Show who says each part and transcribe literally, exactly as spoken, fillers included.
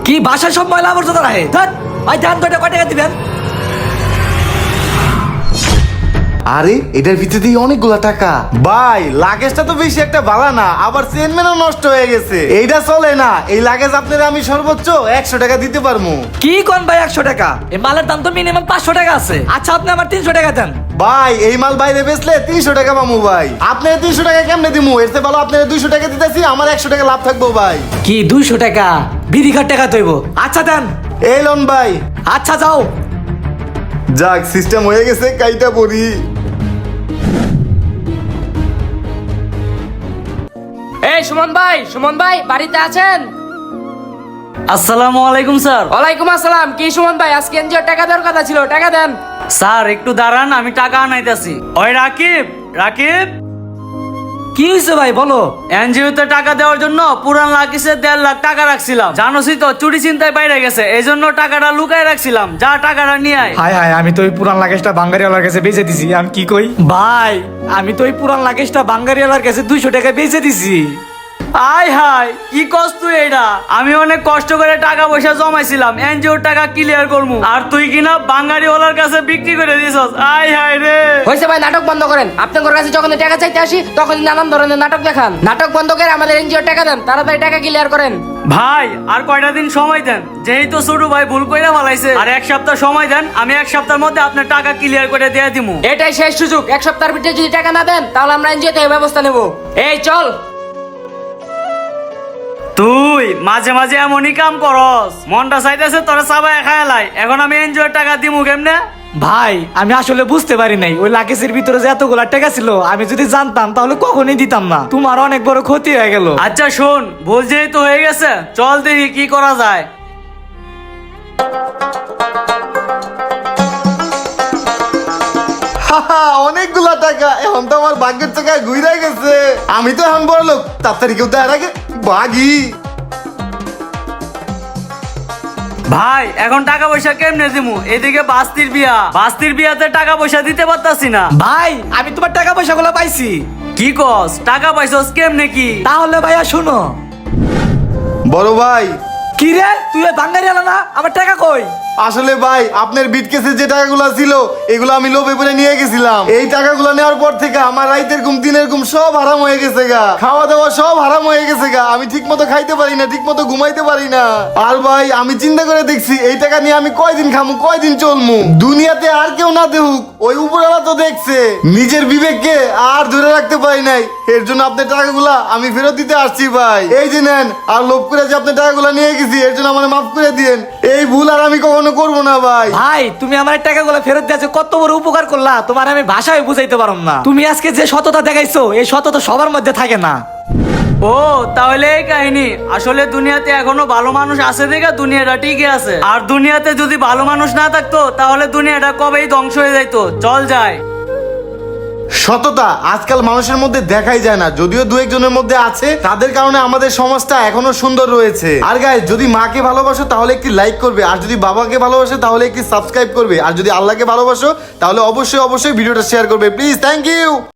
Speaker 1: কি বাসায় সব ময়লা আবর্জনা রাখে? ধ্যাৎ, ভাই ধ্যান কয়টা কয় টাকা দিবেন?
Speaker 2: আরে এটার ভিতরে দিয়ে অনেকগুলা টাকা। ভাই লাগেজটা তো বেশি একটা ভালো না, আবার চেনম্যানও নষ্ট হয়ে গেছে। এইটা চলে না, এই লাগেজ আপনারা আমি সর্বোচ্চ একশো টাকা দিতে পারবো।
Speaker 1: কি কোন ভাই একশো টাকা? এই মালের দাম তো মিনিমাম পাঁচশো টাকা আছে। আচ্ছা আপনি আমার তিনশো টাকা দেন।
Speaker 2: ভাই এই মাল বাইরে বেচলে তিনশো টাকা পামু ভাই, আপনার তিনশো টাকা কেমনে দিমু? এর চেয়ে ভালো আপনার দুইশো টাকা দিতেছি, আমার একশো টাকা লাভ থাকবো ভাই।
Speaker 1: কি দুইশো টাকা? বিড়ি খাট টাকা তৈব। আচ্ছা দেন।
Speaker 2: এই লোন ভাই।
Speaker 1: আচ্ছা যাও।
Speaker 2: যাক সিস্টেম হয়ে গেছে, কাইটা পড়ি।
Speaker 3: এই সুমন ভাই, সুমন ভাই বাড়িতে আছেন?
Speaker 1: আসসালামু আলাইকুম স্যার।
Speaker 3: ওয়ালাইকুম আসসালাম। কি সুমন ভাই, আজকে এনজিওর টাকা দেওয়ার কথা ছিল, টাকা দেন।
Speaker 1: স্যার একটু দাঁড়ান, আমি টাকা আনাইতেছি। ওই রাকিব, রাকিব কি হয়েছে ভাই বলো? এনজিওতে টাকা দেওয়ার জন্য পুরান লাকিসে দেড় লাখ টাকা রাখছিলাম, জানোসই তো চুরি চিন্তায় বাইরে গেছে, এই জন্য টাকাটা লুকায় রাখছিলাম। যা টাকাটা নিয়ে আয়।
Speaker 4: হায় হায়, আমি তো ওই পুরান লাগেজটা বাঙ্গারিওয়ালার কাছে বেচে দিছি। আমি কি কই
Speaker 1: ভাই আমি তো ওই পুরান লাগেজটা বাঙ্গারিওয়ালার কাছে দুইশো টাকা বেচে দিছি। আয় হায় কি কষ্ট এটা, আমি অনেক কষ্ট করে টাকা পয়সা জমাইছিলাম এনজিওর টাকা ক্লিয়ার করবো, আর তুই কিনা বাঙ্গারিওয়ালার কাছে বিক্রি করে দিছস। আয় হায় রে।
Speaker 3: হয়েছে ভাই, নাটক বন্ধ করেন। আপনার কাছে যখন টাকা চাইতে আসি তখন নানান ধরনের নাটক দেখান। নাটক বন্ধ করে আমাদের এনজিওর টাকা দেন, তাড়াতাড়ি টাকা ক্লিয়ার করেন।
Speaker 1: ভাই আর কয়টা দিন সময় দেন, যেহেতু ছোট ভাই ভুল কইরা ফেলাইছে, আর এক সপ্তাহ সময় দেন, আমি এক সপ্তাহের মধ্যে আপনার টাকা ক্লিয়ার করে দিয়ে দিমু।
Speaker 3: এটাই শেষ সুযোগ, এক সপ্তাহের ভিতরে যদি টাকা না দেন তাহলে আমরা এনজিওতে এই ব্যবস্থা নেব। এই চল।
Speaker 1: তুই মাঝে মাঝে এমনই কাম করস, মনটা চাইতেছে তোরা চাবায় খায়ালাই। এখন আমি এনজয়ের টাকা দিমু কেমনে? ভাই আমি আসলে বুঝতে পারি নাই ওই লাকেজের ভিতরে যে এতগুলা টাকা ছিল, আমি যদি জানতাম তাহলে কখনই দিতাম না। তোমার অনেক বড় ক্ষতি হয়ে গেল। আচ্ছা শোন, ভুল যেহেতু হয়ে গেছে, চল দেখি কি করা যায়।
Speaker 2: অনেকগুলা টাকা, এখন তো আমার ভাগ্যের টাকা ঘুরে গেছে। আমি তো এখন বড় লোক, তাড়াতাড়ি কেউ দেয় আগে বাগি।
Speaker 1: ভাই এখন টাকা পয়সা কেমনে দিমু? এদিকে বাস্তির বিয়া, বাস্তির বিয়াতে টাকা পয়সা দিতে পারতাছি না। ভাই আমি তোমার টাকা পয়সা গুলো পাইছি। কি কস? টাকা পাইছস কেমনে কি? তাহলে ভাইয়া শুনো।
Speaker 2: বড় ভাই।
Speaker 1: কি রে তুই বাঙ্গারি আলা না, আমার টাকা কই?
Speaker 2: আসলে ভাই আপনার বিটকেসে যে টাকাগুলো ছিল এগুলো আমি লোভে পড়ে নিয়ে গেছিলাম। এই টাকাগুলো নেওয়ার পর থেকে আমার রাইতের ঘুম দিনের ঘুম সব হারাম হয়ে গেছে গা, খাওয়া দাওয়া সব হারাম হয়ে গেছে গা। আমি ঠিক মতো খাইতে পারি না, ঠিক মতো ঘুমাইতে পারি না। আর ভাই আমি চিন্তা করে দেখছি এই টাকা নিয়ে আমি কয়দিন খামু, কয়দিন চলমু। দুনিয়াতে আর কেউ না দেখুক, ওই উপরওয়ালা তো দেখছে। নিজের বিবেককে আর ধরে রাখতে পারি নাই, এর জন্য আপনার টাকাগুলা আমি ফেরত দিতে আসছি ভাই। এই যে নেন, আর লোভ করে যে আপনার টাকাগুলা নিয়ে গেছি এর জন্য আমার মাফ করে দিয়েন। এই ভুল আর আমি কখনো করবো না ভাই।
Speaker 1: ভাই তুমি আমার টাকাগুলো ফেরত দিয়েছো, কত বড় উপকার করলা, তোমার আমি ভাষায় বুঝাইতে পারলাম না। তুমি আজকে যে সততা দেখাইছো, এই সততা সবার মধ্যে থাকে না। ও তাহলে এই কাহিনী। আসলে দুনিয়াতে এখনো ভালো মানুষ আছে দেখে দুনিয়াটা টিকে আছে, আর দুনিয়াতে যদি ভালো মানুষ না থাকতো তাহলে দুনিয়াটা কবেই ধ্বংস হয়ে যাইতো। চল যাই।
Speaker 2: সততা আজকাল মানুষের মধ্যে দেখাই যায় না, যদিও দু একজনের মধ্যে আছে, তাদের কারণে আমাদের সমাজটা এখনো সুন্দর রয়েছে। আর গাইস যদি মাকে ভালোবাসো তাহলে একটি লাইক করবে, আর যদি বাবাকে ভালোবাসো তাহলে একটি সাবস্ক্রাইব করবে, আর যদি আল্লাহকে ভালোবাসো তাহলে অবশ্যই অবশ্যই ভিডিওটা শেয়ার করবে প্লিজ। Thank you.